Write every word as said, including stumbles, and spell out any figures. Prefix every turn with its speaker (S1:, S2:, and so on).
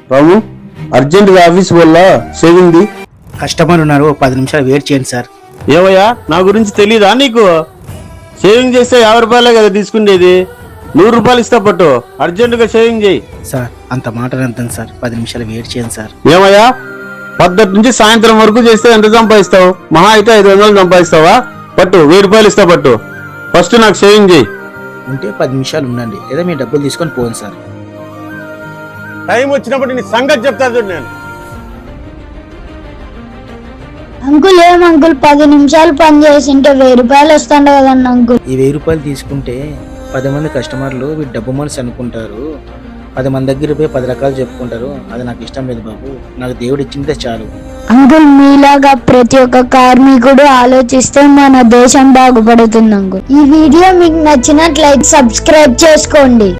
S1: రాము అర్జెంటుగా ఆఫీస్ వల్ల saving
S2: customer ఉన్నారు, ఒక పది నిమిషాలు వెయిట్ చేయండి సార్.
S1: ఏవయ్యా నా గురించి తెలీదా నీకు? షేవింగ్ చేస్తే యాభై రూపాయలే కదా తీసుకునేది, నూరు రూపాయలు ఇస్తా పట్టు, అర్జెంటుగా షేవింగ్ చేయి.
S2: సార్ అంత మాట అంతండి సార్, పది నిమిషాలు వెయిట్ చేయండి సార్.
S1: ఏమయ్యా పద్దటి నుంచి సాయంత్రం వరకు చేస్తే ఎంత సంపాదిస్తావు? మహా అయితే ఐదు వందలు సంపాదిస్తావా? పట్టు వెయ్యి రూపాయలు ఇస్తా పట్టు, ఫస్ట్ నాకు షేవింగ్ చేయి.
S2: ఉంటే పది నిమిషాలు ఉండండి, లేదా మీ డబ్బులు తీసుకొని పోండి సార్.
S1: టైం వచ్చినప్పుడు నీ సంగతి చెప్తా చూడు నేను.
S3: అంకుల్ ఏం అంకుల్ పది నిమిషాలు పని చేసింటే వెయ్యి రూపాయలు వస్తుండే కదండి అంకుల్.
S2: ఈ వెయ్యి రూపాయలు తీసుకుంటే పది మంది కస్టమర్లు వీటి డబ్బు మనసు అనుకుంటారు, పది మంది దగ్గర పోయి పది రకాలు చెప్పుకుంటారు. అది నాకు ఇష్టం లేదు బాబు, నాకు దేవుడు ఇచ్చిందే చాలు.
S3: అంకుల్ మీలాగా ప్రతి ఒక్క కార్మికుడు ఆలోచిస్తే మన దేశం బాగుపడుతుంది అంకుల్. ఈ వీడియో మీకు నచ్చినట్లయితే సబ్స్క్రైబ్ చేసుకోండి.